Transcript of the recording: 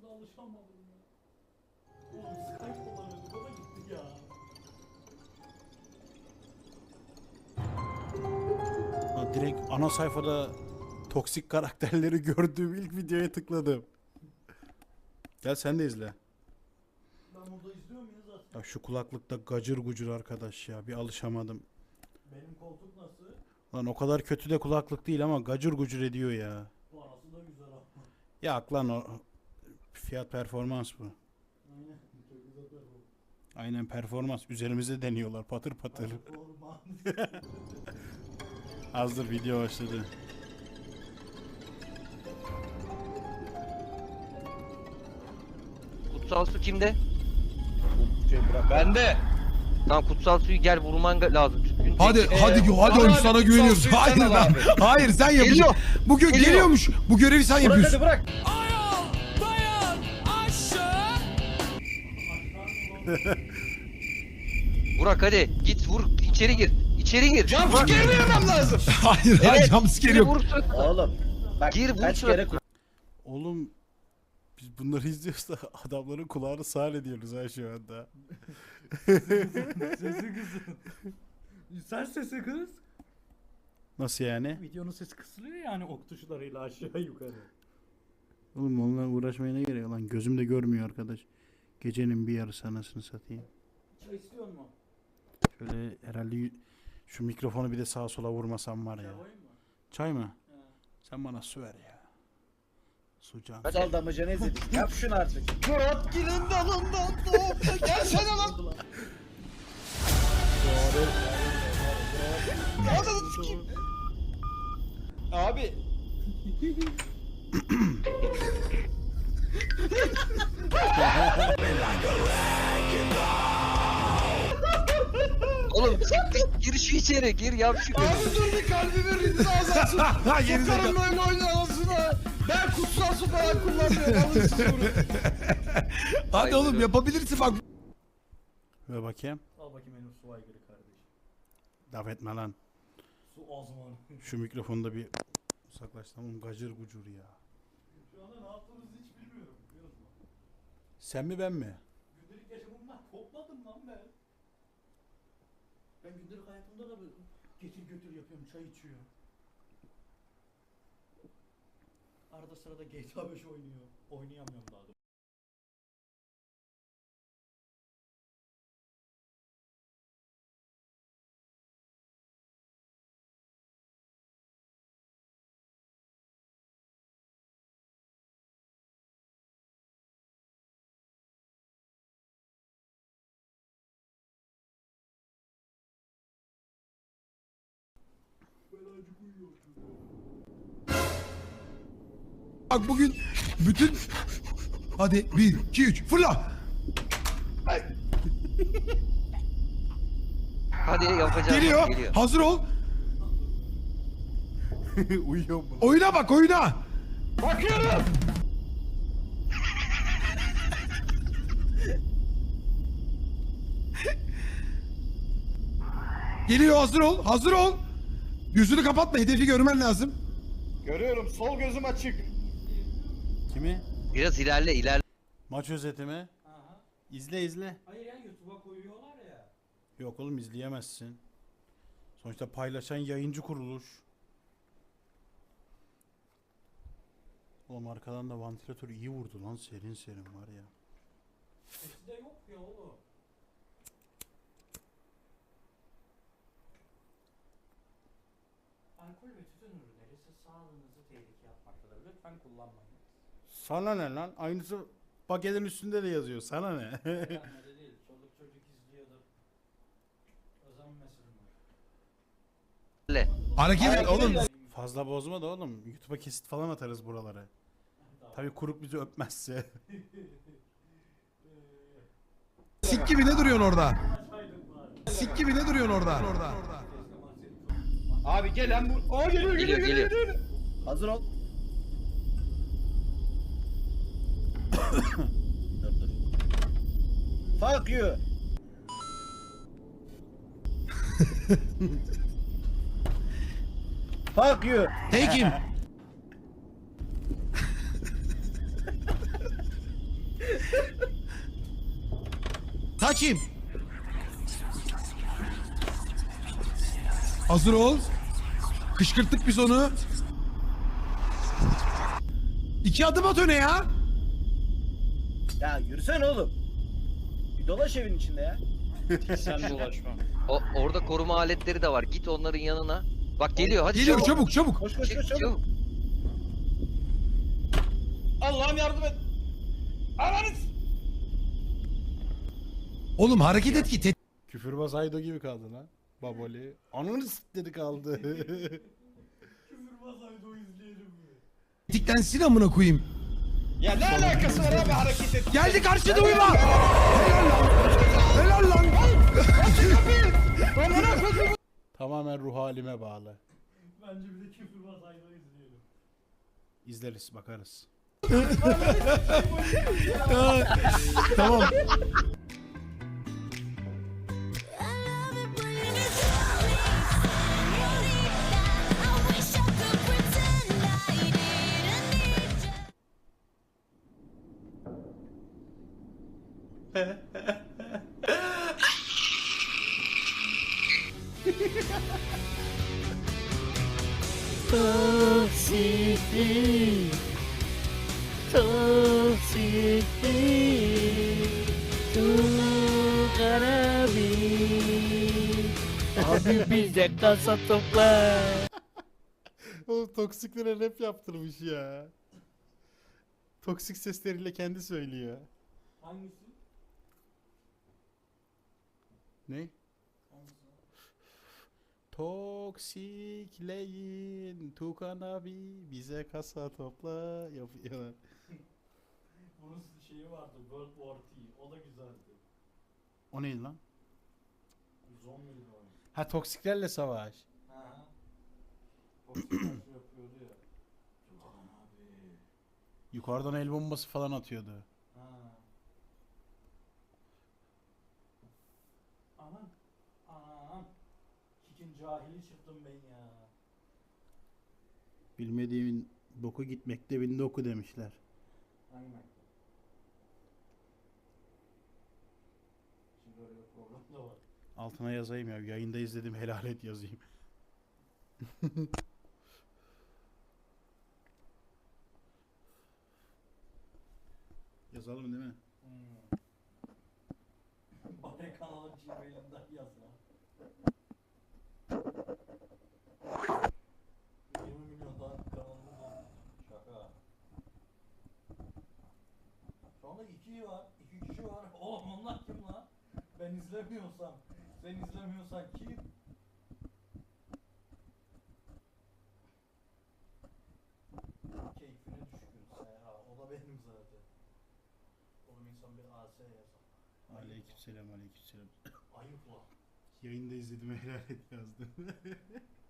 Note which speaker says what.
Speaker 1: alışamadım ya. Oğlum Skype kullanıyorduk, o da gitti ya.
Speaker 2: Ha, direkt ana sayfada toksik karakterleri gördüğüm ilk videoya tıkladım. Gel sen de izle.
Speaker 1: Ben burada izliyor muyuz zaten?
Speaker 2: Ya şu kulaklıkta gacır gucur arkadaş ya, bir alışamadım.
Speaker 1: Benim koltuk nasıl?
Speaker 2: Lan o kadar kötü de kulaklık değil ama gacır gucur ediyor ya.
Speaker 1: Parası da güzel ama.
Speaker 2: Ya lan o fiyat performans bu.
Speaker 1: Aynen. Çok güzel performans.
Speaker 2: Aynen performans. Üzerimize deniyorlar patır patır.
Speaker 1: Performans.
Speaker 2: Azdır video başladı.
Speaker 3: Kutsal su kimde?
Speaker 4: Bende.
Speaker 3: Tamam kutsal suyu gel vurman lazım. Tüpün
Speaker 5: Hadi hadi oyun sana güveniyoruz. Hayır lan. Hayır sen yapacaksın.
Speaker 3: Geliyor.
Speaker 5: Bu geliyormuş. Bu görevi sen
Speaker 4: Bırak
Speaker 5: yapıyorsun.
Speaker 4: hadi bırak.
Speaker 3: Burak hadi git vur içeri gir. İçeri gir.
Speaker 4: Jumpscare vermem lazım.
Speaker 5: Hayır hayır jumpscare
Speaker 3: Gir
Speaker 5: yok.
Speaker 3: vursun.
Speaker 4: Oğlum. Bak
Speaker 3: Gir, vur
Speaker 4: kaç
Speaker 3: şu-
Speaker 4: kere
Speaker 2: Oğlum biz bunları izliyoruz da adamların kulağını sağır ediyoruz ha şu anda.
Speaker 1: Sesi kızın. Sen sesi kız.
Speaker 2: Nasıl yani?
Speaker 1: Videonun sesi kısılıyor yani ok tuşlarıyla aşağı yukarı.
Speaker 2: Oğlum onunla uğraşmaya ne gerek lan, gözüm de görmüyor arkadaş. Gecenin bir yarısı anasını satayım.
Speaker 1: Çay istiyor mu?
Speaker 2: Şöyle herhalde şu mikrofonu bir de sağa sola vurmasam var ya.
Speaker 1: Çay koyayım mı?
Speaker 2: Çay mı?
Speaker 1: He.
Speaker 2: Sen bana su ver ya. Su can.
Speaker 4: Sal damacana izledik. Yap şunu artık. Murat Gül'ün dalından doğdu. Gelsene lan. Abi.
Speaker 3: Oğlum gir şu içeri gir yap şu.
Speaker 4: Abi dur bir kalbimi rinse azansın.
Speaker 5: Geri zekalı.
Speaker 4: Sokarım böyle oynanasına. Ben kutsal su falan kullanmıyorum. Alın siz bunu.
Speaker 5: Hadi oğlum yapabilirsin bak.
Speaker 2: Ver bakayım.
Speaker 1: Al bakayım benim su aygırı kardeşim.
Speaker 2: Laf etme lan.
Speaker 1: Su azmanı.
Speaker 2: Şu mikrofonu da bir uzaklaştım. Oğlum gacır gucur ya.
Speaker 1: Şu anda ne yaptığınızı hiç bilmiyorum. Biliyor musun?
Speaker 2: Sen mi ben mi?
Speaker 1: Gündelik yaşamımdan kopmadım lan ben. Ben gündelik hayatımda da böyle getir götür yapıyorum, çay içiyor. Arada sırada GTA 5 oynuyor. Oynayamıyorum daha da. Belacık uyuyor.
Speaker 5: Bak bugün bütün... Hadi 1, 2, 3 fırla.
Speaker 3: Hadi yapacağım.
Speaker 5: Geliyor. Hazır ol.
Speaker 2: Uyuyor mu?
Speaker 5: Oyuna bak oyuna.
Speaker 4: Bakıyorum.
Speaker 5: Geliyor hazır ol. Hazır ol. Yüzünü kapatma. Hedefi görmen lazım.
Speaker 4: Görüyorum. Sol gözüm açık.
Speaker 2: Kimi?
Speaker 3: Biraz ilerle.
Speaker 2: Maç özeti mi?
Speaker 1: Aha.
Speaker 2: İzle izle.
Speaker 1: Hayır ya, YouTube'a koyuyorlar ya.
Speaker 2: Yok oğlum izleyemezsin. Sonuçta paylaşan yayıncı kuruluş. Oğlum arkadan da vantilatör iyi vurdu lan, serin serin var ya.
Speaker 1: Sesi de yok ya oğlum. Alkol ve tütün ürünleri size sağlığınızı tehlikeye atmaktadır. Lütfen kullanmayın.
Speaker 2: Sana ne lan? Aynısı paketin üstünde de yazıyor. Sana ne?
Speaker 1: Beğenmedi değil. Çoluk çocuk izliyordur. Özenmesin mi?
Speaker 5: Hareket et oğlum.
Speaker 2: Fazla bozma da oğlum. YouTube'a kesit falan atarız buraları. Tabii kuruk bizi öpmezse.
Speaker 5: Sik gibi ne duruyorsun orada? Sik gibi ne duruyorsun orada?
Speaker 4: Abi gelen bu. Aa geliyor
Speaker 3: Geliyor.
Speaker 4: Hazır ol. Dur. Fuck you. Fuck you.
Speaker 5: Take him. Açayım. Hazır ol. Kışkırttık biz onu. 2 adım at öne ya.
Speaker 4: Ya yürüsene oğlum. Bir dolaş evin içinde ya.
Speaker 6: Sen dolaşma.
Speaker 3: Orada koruma aletleri de var. Git onların yanına. Bak geliyor hadi
Speaker 5: Geliyor çabuk çabuk.
Speaker 4: Koş koş
Speaker 3: Çık,
Speaker 4: koş çabuk.
Speaker 3: çabuk.
Speaker 6: Allah'ım yardım et. Ananız.
Speaker 5: Oğlum hareket et ki
Speaker 2: Küfürbaz Aydo gibi kaldı lan. Baboli. Ananı dedi kaldı.
Speaker 1: Küfürbaz Aydo izleyelim mi?
Speaker 5: tetiklensin amına koyayım.
Speaker 6: Ya ne alakası var abi hareket et.
Speaker 5: Geldi karşıda uyuma. Helal lan.
Speaker 2: Tamamen ruh halime bağlı.
Speaker 1: Bence bir de Küfürbaz Aydo izleyelim.
Speaker 2: İzleriz bakarız.
Speaker 5: Tamam.
Speaker 7: Abi bize kasa topla.
Speaker 2: O toksiklere rap yaptırmış ya. Toksik sesleriyle kendi söylüyor.
Speaker 1: Hangisi?
Speaker 2: Ne?
Speaker 1: Hangisi?
Speaker 2: Toksikleyin Tukan abi bize kasa topla yapıyorlar.
Speaker 1: Bunun şeyi vardı, World War T. O da güzeldi.
Speaker 2: O neydi lan?
Speaker 1: Zombili de oyun.
Speaker 2: Ha toksiklerle savaş.
Speaker 1: Ha. Toksik nasıl yapıyordu ya. Tutan abi.
Speaker 2: Yukarıdan el bombası falan atıyordu.
Speaker 1: Ha. Aman. Aman. Kikin cahili çıktım ben ya.
Speaker 2: Bilmediğimin boku gitmekte bin doku demişler.
Speaker 1: Hangi mektep? Şimdi öyle bir program da var.
Speaker 2: Altına yazayım ya. Yayında izledim helal et yazayım. Yazalım değil mi?
Speaker 1: Bari kanalın Gmail'inden yaz lan. 20 milyondan kanalımız oldu. Şaka. Şu anda 2 var. 2 kişi var. Oğlum onlar kim lan? Ben izlemiyorsam. Sen izlemiyorsan kim? Keyfine düşkün Serha. O da benim zaten. Oğlum insan bir AS yazar.
Speaker 2: Aleykümselam aleykümselam.
Speaker 1: Ayıp lan.
Speaker 2: Yayında izledim helal et yazdım.